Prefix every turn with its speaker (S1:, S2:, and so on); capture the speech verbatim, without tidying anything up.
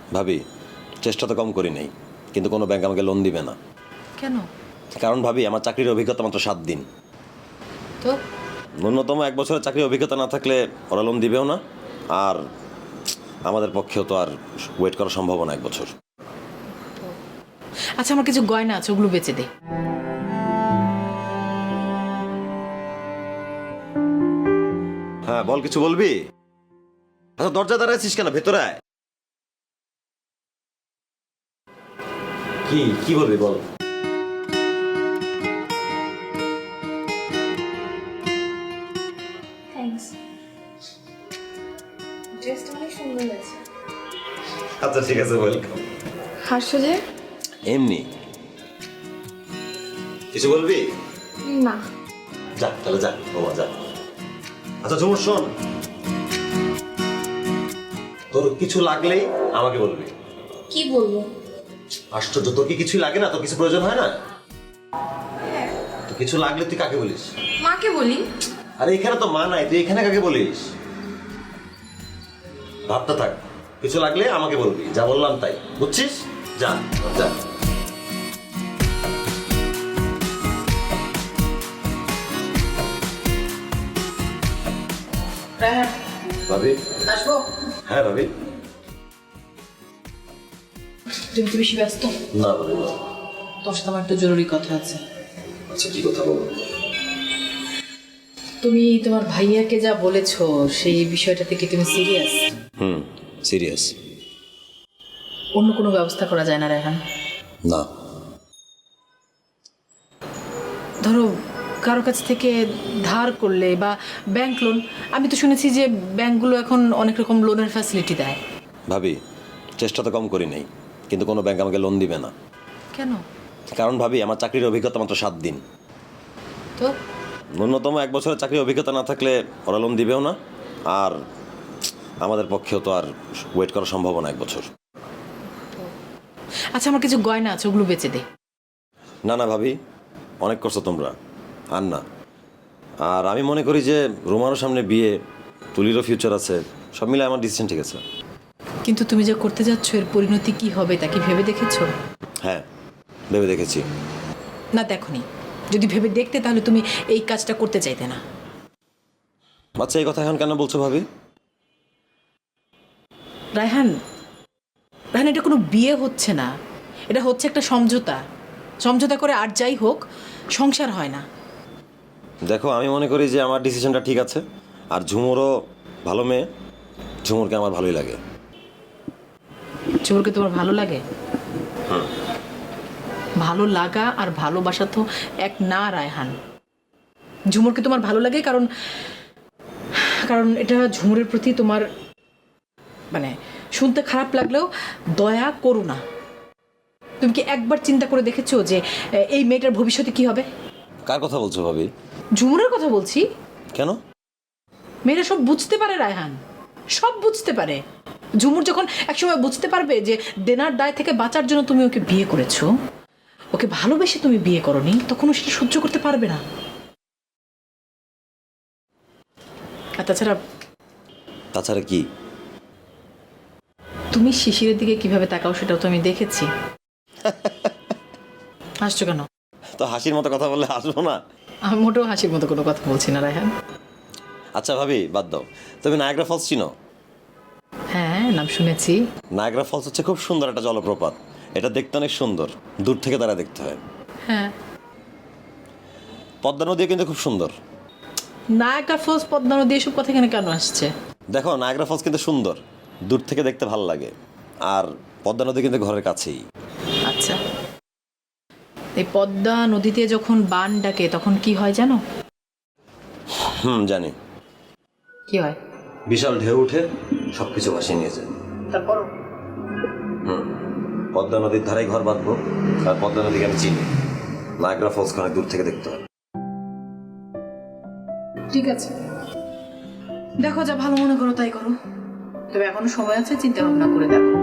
S1: ভাবি, চেষ্টা তো কম করি নাই, কিন্তু কোনো ব্যাংক আমাকে লোন দিবে না।
S2: কেন?
S1: কারণ ভাবি, আমার চাকরির অভিজ্ঞতা মাত্র সাত দিন।
S2: তো
S1: ন্যূনতম এক বছরের চাকরির অভিজ্ঞতা না থাকলে ওরা লোন দিবেও না। আর আমাদের পক্ষেও তো আর ওয়েট করা সম্ভব না এক বছর।
S2: আচ্ছা, আমার কিছু গয়না আছে, ওগুলো বেচে দে।
S1: হ্যাঁ বল, কিছু বলবি? আচ্ছা, দরজা দাঁড়াইছিস কেন? ভেতরে আয়। কি কি বলবি বল।
S3: থ্যাঙ্কস। ড্রেসটা অনেক সুন্দর লাগছে।
S1: আচ্ছা ঠিক আছে, ওয়েলকাম।
S3: হাসছো যে?
S1: এমনি। কিছু বলবি?
S3: না।
S1: যা তাহলে, যা বাবা যা। আচ্ছা ঝুমুর, শোন, তোর কিছু লাগলেই আমাকে বলবি।
S3: কি বলবো?
S1: আশ্চর্য, তোর কি কিছু লাগে না? তোর কিছু প্রয়োজন হয় না? তো কিছু লাগলে তুই কাকে বলিস?
S3: মাকে বলি।
S1: আরে এখানে তো মা নাই, তুই এখানে কাকে বলিস? ভাবতে থাক, কিছু লাগলে আমাকে বলবি, যা বললাম তাই, বুঝছিস? যা যা। ভাবি,
S2: আসবো?
S1: হ্যাঁ ভাবি।
S2: তুমি তো বেশি ব্যস্ত?
S1: না ভাবি না।
S2: তোর সাথে আমার একটা জরুরি কথা আছে।
S1: আচ্ছা কি কথা বলো?
S2: তুমি তোমার ভাইয়াকে যা বলেছো সেই বিষয়টা থেকে তুমি সিরিয়াস?
S1: হুম, সিরিয়াস।
S2: অন্য কোনো ব্যবস্থা করা যায় না রেহান?
S1: না।
S2: ধরো কারো কাছ থেকে ধার করলে বা ব্যাংক লোন, আমি তো শুনেছি যে ব্যাংকগুলো এখন অনেক রকম লোনের ফ্যাসিলিটি দেয়।
S1: ভাবি, চেষ্টা তো কম করি নাই, কিন্তু কোনো ব্যাংক আমাকে লোন দিবে না।
S2: কেন?
S1: কারণ ভাবি, আমার চাকরির অভিজ্ঞতা মাত্র সাত দিন।
S2: তো
S1: ন্যূনতম এক বছরের চাকরির অভিজ্ঞতা না থাকলে ওরা লোন দিবেও না। আর আমাদের পক্ষেও তো আর ওয়েট করা সম্ভব না এক বছর।
S2: আচ্ছা, আমার কিছু গয়না আছে, ওগুলো বেচে দে।
S1: না না ভাবি, অনেক করছো তোমরা, আর না। আর আমি মনে করি যে রোমারও সামনে বিয়ে, তুলিরও ফিউচার আছে, সব মিলে আমার ডিসিশন ঠিক আছে।
S2: কিন্তু তুমি যে করতে যাচ্ছ এর পরিণতি কি হবে তা কি ভেবে দেখেছো?
S1: হ্যাঁ, ভেবে দেখেছি।
S2: না দেখোনি? যদি ভেবে দেখতে তাহলে তুমি এই কাজটা করতে চাইতে না।
S1: আচ্ছা, এই কথা এখন কেন বলছো ভাবি?
S2: রায়হান, রায়হান, এটা কোনো বিয়ে হচ্ছে না, এটা হচ্ছে একটা সমঝোতা। সমঝোতা করে আর যাই হোক, সংসার হয় না।
S1: দেখো, আমি মনে করি যে আমার ডিসিশনটা ঠিক আছে। আর ঝুমুরও ভালো মেয়ে, ঝুমুরকে আমার ভালোই লাগে।
S2: ঝুমুরকে তোমার ভালো লাগে? ভালো লাগা আর ভালোবাসা তো এক না রায়হান। ঝুমুরকে তোমার ভালো লাগে কারণ কারণ এটা ঝুমুরের প্রতি তোমার, মানে শুনতে খারাপ লাগলেও, দয়া করো না। তুমি কি একবার চিন্তা করে দেখেছো যে এই মেয়েটার ভবিষ্যতে কি হবে?
S1: কার কথা বলছো ভাবি?
S2: ঝুমুরের কথা বলছি।
S1: কেন?
S2: মেয়েরা সব বুঝতে পারে রায়হান, সব বুঝতে পারে। ঝুমুর যখন একসময় বুঝতে পারবে যে দেনার দায় থেকে বাঁচার জন্য তুমি ওকে বিয়ে করেছো, ওকে ভালোবেসে তুমি বিয়ে করনি, তখন ও সেটা সহ্য করতে পারবে না। আর তাছাড়া
S1: তাছাড়া কি?
S2: তুমি শিশিরের দিকে কিভাবে তাকাও সেটাও তো আমি দেখেছি। হাসছো কেন?
S1: তো হাসির মতো কথা বললে হাসবো না?
S2: আমি মোটেও হাসির মতো কোনো কথা বলছি না রায়হান।
S1: আচ্ছা ভাবি, বাদ দাও। তুমি নায়াগ্রা ফলস চিনো?
S2: হ্যাঁ, নাম শুনেছি।
S1: নায়াগ্রা ফলস হচ্ছে খুব সুন্দর একটা জলপ্রপাত। এটা দেখতে অনেক সুন্দর, দূর থেকে তারা দেখতে হয়।
S2: হ্যাঁ,
S1: পদ্মা নদীও কিন্তু খুব সুন্দর।
S2: নায়াগ্রা ফলস, পদ্মা নদী, এসব কথা এখানে কেন আসছে?
S1: দেখো, নায়াগ্রা ফলস কিন্তু সুন্দর, দূর থেকে দেখতে ভালো লাগে। আর পদ্মা নদী কিন্তু ঘরের কাছেই।
S2: আচ্ছা, এই পদ্মা নদীতে যখন বান ডাকে তখন কি হয় জানো?
S1: হুম, জানি।
S2: কি হয়?
S1: বিশাল ঢেউ উঠে সবকিছু ভাসিয়ে নিয়ে যায়।
S2: তারপর
S1: হুম, পদ্মা নদীর ধারে ঘর বাঁধবো, আর পদ্মা নদীকে আমি চিনি। নায়াগ্রা ফলস অনেক দূর থেকে দেখতে হয়।
S2: ঠিক আছে, দেখো, যা ভালো মনে করো তাই করো। তবে এখনো সময় আছে, চিন্তা ভাবনা করে দেখো।